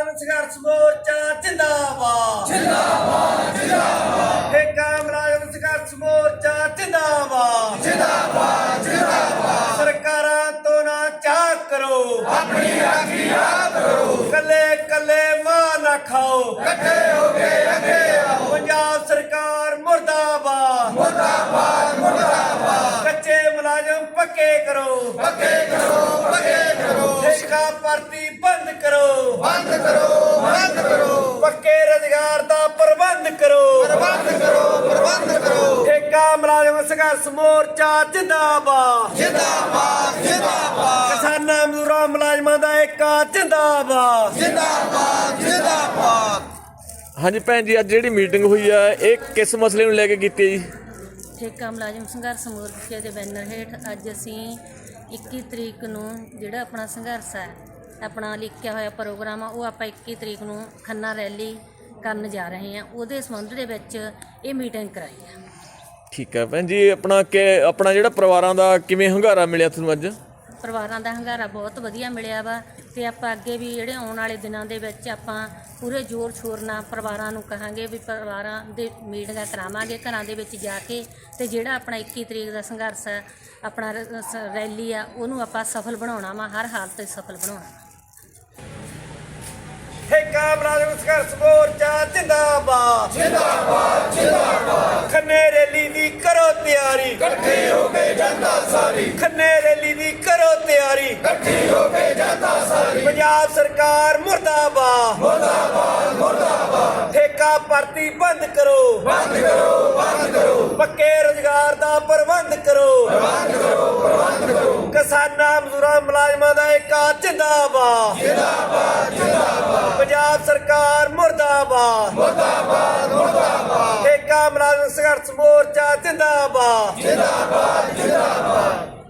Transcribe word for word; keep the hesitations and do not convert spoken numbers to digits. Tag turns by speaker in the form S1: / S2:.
S1: ਮੁਲਾਜ਼ਮ ਸੰਘਰਸ਼ ਮੋਰਚਾ ਜਿੰਦਾਬਾਦ
S2: ਜਿੰਦਾਬਾਦ ਜਿੰਦਾਬਾਦ
S1: ਠੇਕਾ ਮੁਲਾਜ਼ਮ ਸੰਘਰਸ਼ ਮੋਰਚਾ ਜਿੰਦਾਬਾਦ
S2: ਜਿੰਦਾਬਾਦ ਜਿੰਦਾਬਾਦ
S1: ਸਰਕਾਰਾਂ ਤੋਂ ਨਾ ਚਾਕ ਕਰੋ,
S2: ਆਪਣੀ ਰਾਖੀ ਆਪ ਕਰੋ,
S1: ਕੱਲੇ ਕੱਲੇ ਮਾਂ ਨਾ ਖਾਓ,
S2: ਇਕੱਠੇ ਹੋ ਕੇ ਅੱਗੇ ਆਓ।
S1: ਪੰਜਾਬ ਸਰਕਾਰ ਮੁਰਦਾਬਾਦ
S2: ਮੁਰਦਾਬਾਦ ਮੁਰਦਾਬਾਦ
S1: ਕੱਚੇ ਮੁਲਾਜ਼ਮ ਪੱਕੇ ਕਰੋ,
S2: ਪੱਕੇ ਕਰੋ ਪੱਕੇ ਕਰੋ,
S1: ਠੇਕਾ ਭਰਤੀ ਬੰਦ ਕਰੋ,
S2: ਬੰਦ ਕਰੋ ਬੰਦ ਕਰੋ,
S1: ਪੱਕੇ ਰੁਜ਼ਗਾਰ ਦਾ ਪ੍ਰਬੰਧ ਕਰੋ,
S2: ਪ੍ਰਬੰਧ ਕਰੋ ਪ੍ਰਬੰਧ ਕਰੋ।
S1: ਠੇਕਾ ਮੁਲਾਜ਼ਮ ਸੰਘਰਸ਼ ਮੋਰਚਾ ਜਿੰਦਾਬਾਦ
S2: ਜਿੰਦਾਬਾਦ ਜਿੰਦਾਬਾਦ
S1: ਕਿਸਾਨਾਂ ਮਜ਼ਦੂਰਾਂ ਮੁਲਾਜ਼ਮਾਂ ਦਾ ਏਕਾ ਜਿੰਦਾਬਾਦ।
S2: ਜਿੰਦਾਬਾਦ ਜਿੰਦਾਬਾਦ।
S3: ਹਾਂਜੀ ਭੈਣ ਜੀ, ਅੱਜ ਜਿਹੜੀ ਮੀਟਿੰਗ ਹੋਈ ਆ ਇਹ ਕਿਸ ਮਸਲੇ ਨੂੰ ਲੈ ਕੇ ਕੀਤੀ ਹੈ ਜੀ?
S4: ਠੇਕਾ ਮੁਲਾਜ਼ਮ ਸੰਘਰਸ਼ ਮੋਰਚੇ ਦੇ ਬੈਨਰ ਹੇਠ ਅੱਜ ਅਸੀਂ ਇੱਕੀ ਤਰੀਕ ਨੂੰ ਜਿਹੜਾ ਆਪਣਾ ਸੰਘਰਸ਼ ਹੈ, ਆਪਣਾ ਲਿਖਿਆ ਹੋਇਆ ਪ੍ਰੋਗਰਾਮ ਆ, ਉਹ ਆਪਾਂ ਇੱਕੀ ਤਰੀਕ ਨੂੰ ਖੰਨਾ ਰੈਲੀ ਕਰਨ ਜਾ ਰਹੇ ਹਾਂ। ਉਹਦੇ ਸੰਬੰਧ ਦੇ ਵਿੱਚ ਇਹ ਮੀਟਿੰਗ ਕਰਾਈ ਹੈ।
S3: ਠੀਕ ਹੈ ਭੈਣ ਜੀ, ਆਪਣਾ ਕਿ ਆਪਣਾ ਜਿਹੜਾ ਪਰਿਵਾਰਾਂ ਦਾ ਕਿਵੇਂ ਹੰਗਾਰਾ ਮਿਲਿਆ ਤੁਹਾਨੂੰ ਅੱਜ?
S4: ਪਰਿਵਾਰਾਂ ਦਾ ਹੰਗਾਰਾ ਬਹੁਤ ਵਧੀਆ ਮਿਲਿਆ ਵਾ, ਅਤੇ ਆਪਾਂ ਅੱਗੇ ਵੀ ਜਿਹੜੇ ਆਉਣ ਵਾਲੇ ਦਿਨਾਂ ਦੇ ਵਿੱਚ ਆਪਾਂ ਪੂਰੇ ਜ਼ੋਰ ਸ਼ੋਰ ਨਾਲ ਪਰਿਵਾਰਾਂ ਨੂੰ ਕਹਾਂਗੇ ਵੀ ਪਰਿਵਾਰਾਂ ਦੇ ਮੀਟਿੰਗਾਂ ਕਰਾਵਾਂਗੇ ਘਰਾਂ ਦੇ ਵਿੱਚ ਜਾ ਕੇ, ਅਤੇ ਜਿਹੜਾ ਆਪਣਾ ਇੱਕੀ ਤਰੀਕ ਦਾ ਸੰਘਰਸ਼ ਹੈ, ਆਪਣਾ ਰ- ਸ- ਰੈਲੀ ਆ, ਉਹਨੂੰ ਆਪਾਂ ਸਫਲ ਬਣਾਉਣਾ ਵਾ, ਹਰ ਹਾਲਤ 'ਚ ਸਫਲ ਬਣਾਉਣਾ।
S1: ਠੇਕਾ ਮੁਲਾਜ਼ਮ ਸੰਘਰਸ਼ ਮੋਰਚਾ ਜਿੰਦਾਬਾਦ
S2: ਜਿੰਦਾਬਾਦ ਜਿੰਦਾਬਾਦ।
S1: ਖੰਨੇ ਰੈਲੀ ਦੀ ਕਰੋ ਤਿਆਰੀ,
S2: ਇਕੱਠੇ ਹੋ ਕੇ ਜਨਤਾ ਸਾਰੀ,
S1: ਖੰਨੇ ਰੈਲੀ ਦੀ ਕਰੋ ਤਿਆਰੀ,
S2: ਇਕੱਠੀ ਹੋ ਕੇ ਜਨਤਾ ਸਾਰੀ।
S1: ਪੰਜਾਬ ਸਰਕਾਰ ਮੁਰਦਾਬਾਦ
S2: ਮੁਰਦਾਬਾਦ ਮੁਰਦਾਬਾਦ।
S1: ਠੇਕਾ ਭਰਤੀ ਬੰਦ ਕਰੋ,
S2: ਬੰਦ ਕਰੋ ਬੰਦ ਕਰੋ,
S1: ਪੱਕੇ ਰੁਜ਼ਗਾਰ ਦਾ ਪ੍ਰਬੰਧ ਕਰੋ,
S2: ਬੰਦ ਕਰੋ ਪ੍ਰਬੰਧ ਕਰੋ।
S1: ਕਿਸਾਨਾਂ ਮਜ਼ਦੂਰਾਂ ਮੁਲਾਜ਼ਮਾਂ ਦਾ ਏਕਾ ਜਿੰਦਾਬਾਦ।
S2: ਜਿੰਦਾਬਾਦ ਜਿੰਦਾਬਾਦ।
S1: ਪੰਜਾਬ ਸਰਕਾਰ ਮੁਰਦਾਬਾਦ
S2: ਮੁਰਦਾਬਾਦ ਮੁਰਦਾਬਾਦ।
S1: ਠੇਕਾ ਮੁਲਾਜ਼ਮ ਸੰਘਰਸ਼ ਮੋਰਚਾ ਜਿੰਦਾਬਾਦ।
S2: ਜਿੰਦਾਬਾਦ ਜਿੰਦਾਬਾਦ।